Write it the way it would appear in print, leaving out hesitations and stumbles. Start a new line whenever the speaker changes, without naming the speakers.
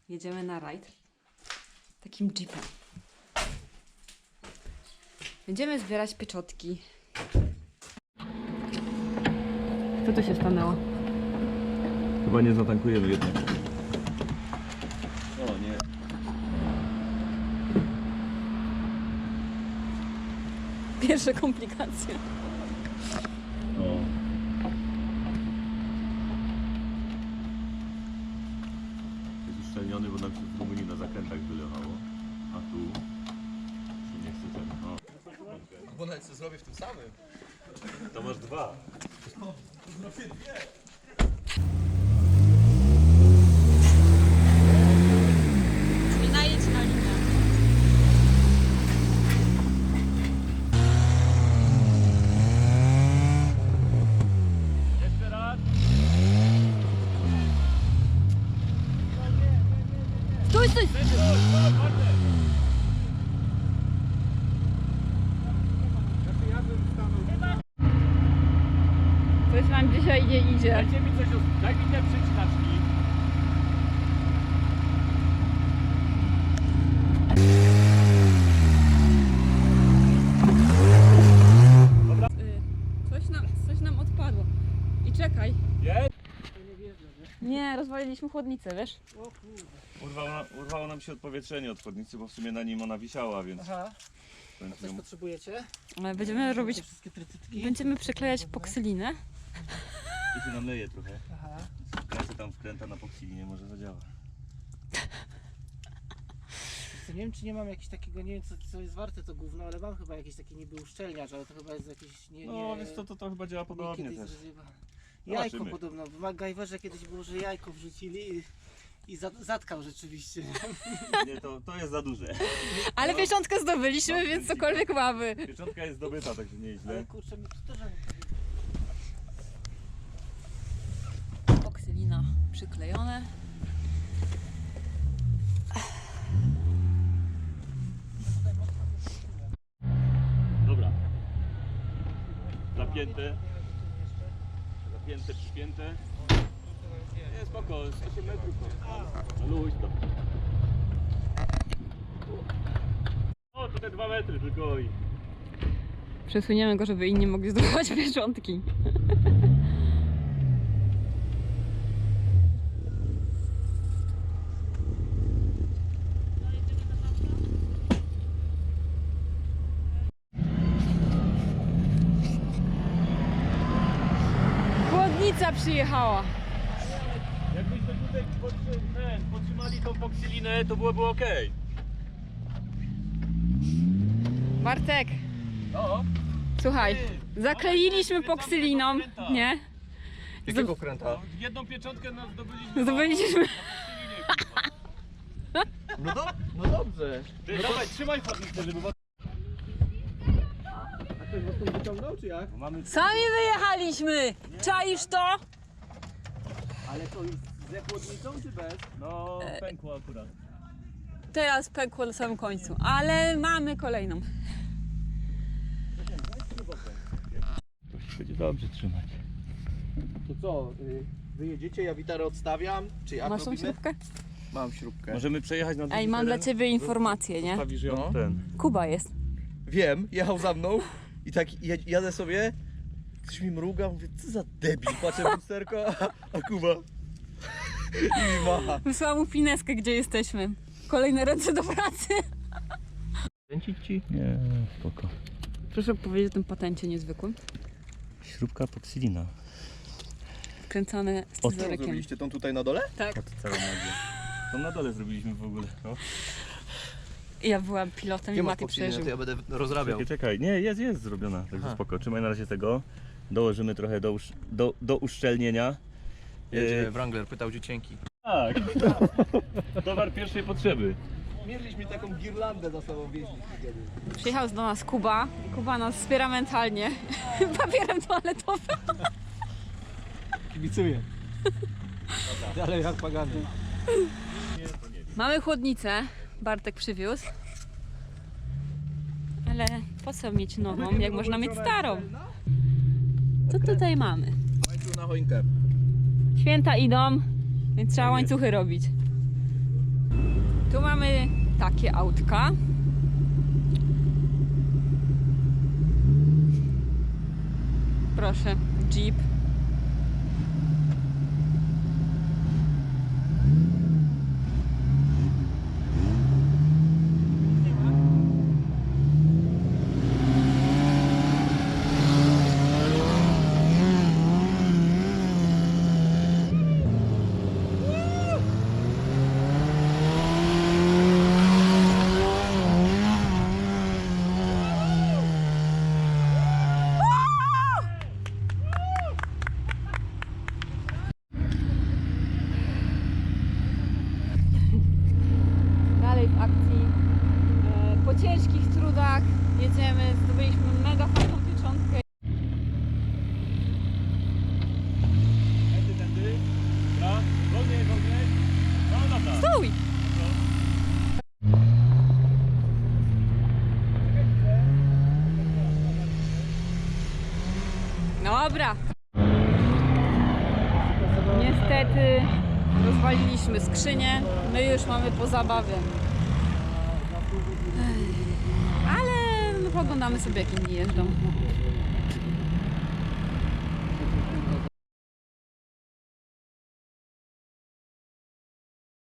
jedziemy na rajd takim jeepem. Będziemy zbierać pieczotki. Co tu się stanęło?
Chyba nie zatankujemy jednak. O nie.
Pierwsze komplikacje.
O. Jest uszczelniony, bo nam się w Rumunii na zakrętach wylewało. A tu się nie chce ten. O.
Bo nawet co zrobię w tym samym.
To masz dwa.
I najedź na linię.
Jeszcze raz.
Stój, stój! Coś nam dzisiaj nie idzie.
Dajcie mi coś, daj mi te przycinaczki.
Coś nam odpadło. I czekaj.
Jest?
Nie, rozwaliliśmy chłodnicę, wiesz?
Urwało nam się odpowietrzenie od chłodnicy, bo w sumie na nim ona wisiała, więc...
Aha,
więc
coś
ją-
potrzebujecie?
Będziemy robić,
Te wszystkie trytytki?
będziemy przyklejać poksylinę.
Tu się nam leje trochę.
Aha.
Kręcę tam wkręta na poksilinie, może zadziała.
Nie wiem, czy nie mam jakiegoś takiego, nie wiem co jest warte to gówno, ale mam chyba jakiś taki niby uszczelniacz, ale to chyba jest jakiś
No wiesz co, to chyba działa podobnie
kiedyś
też.
Jajko
Zobaczymy.
podobno, w MacGyverze kiedyś było, że jajko wrzucili i zatkał rzeczywiście.
Nie, to jest za duże.
Ale pieczątkę zdobyliśmy,
No,
więc cokolwiek mamy.
Pieczątka jest zdobyta, także nieźle.
Ale kurczę, mi to też
Poksylina przyklejone.
Dobra. Zapięte. Zapięte, przypięte. Nie, spoko, 8 metrów. No luź to. O, to te 2 metry tylko i...
Przesuniemy go, żeby inni mogli zdobywać pieczątki. Chłodnica przyjechała.
Jakbyśmy tutaj podtrzymali tą poksylinę, to byłoby ok.
Bartek,
No.
słuchaj, zakleiliśmy poksyliną, nie?
Jakiego kręta?
Jedną pieczątkę nam zdobyliśmy.
Zdobyliśmy.
No dobrze.
Ty, dawaj, trzymaj chłodnicę, żeby...
A ktoś was tu wyciągnął, czy jak?
Mamy...
Sami wyjechaliśmy! Czaisz to?
Ale to jest ze chłodnicą, czy bez?
No, pękło akurat.
Teraz pękło na samym końcu, ale mamy kolejną.
To będzie dobrze trzymać.
To co, wyjedziecie, ja witarę odstawiam, czy jak
Masz tą
robimy?
śrubkę?
Mam śrubkę.
Możemy przejechać na drugi
Ej, mam dla
teren?
ciebie informację, nie?
Zostawisz ją
No.
ten.
Kuba jest.
Wiem, jechał za mną i tak jadę sobie, ktoś mi mruga, mówię, co za debil, patrzę w lusterko, a Kuba i mi macha.
Wysłałam mu pineskę, gdzie jesteśmy. Kolejne ręce do pracy.
Kręcić ci?
Nie, spoko.
Proszę powiedzieć o tym patencie niezwykłym.
Śrubka poksylina.
Wkręcane scyzorykiem.
tą tutaj na dole?
Tak.
Całą nogę. To na dole zrobiliśmy w ogóle. No.
Ja byłam pilotem i Mati przeżył.
ja będę rozrabiał.
Czekaj, nie, jest zrobiona, także
Aha.
spoko. Trzymaj na razie tego. Dołożymy trochę do uszczelnienia.
Wrangler pytał, gdzie cienki.
Tak. Towar pierwszej potrzeby.
Mieliśmy taką girlandę za sobą wieźliśmy kiedyś.
Przyjechał do nas Kuba i Kuba nas wspiera mentalnie papierem toaletowym.
Kibicuję. Dalej jak pagany.
Mamy chłodnicę, Bartek przywiózł. Ale po co mieć nową, jak można mieć starą? Co tutaj mamy?
Łańcuch na choinkę.
Święta idą, więc trzeba łańcuchy robić. Tu mamy takie autka. Proszę, Jeep. Dalej w akcji. Po ciężkich trudach jedziemy, zdobyliśmy mega fajną pieczątkę.
Tędy. Dobra, wolniej. No lata.
Stój! Dobra. Niestety rozwaliliśmy skrzynię. My już mamy po zabawie. Ale no, poglądamy sobie, jak inni jeżdżą.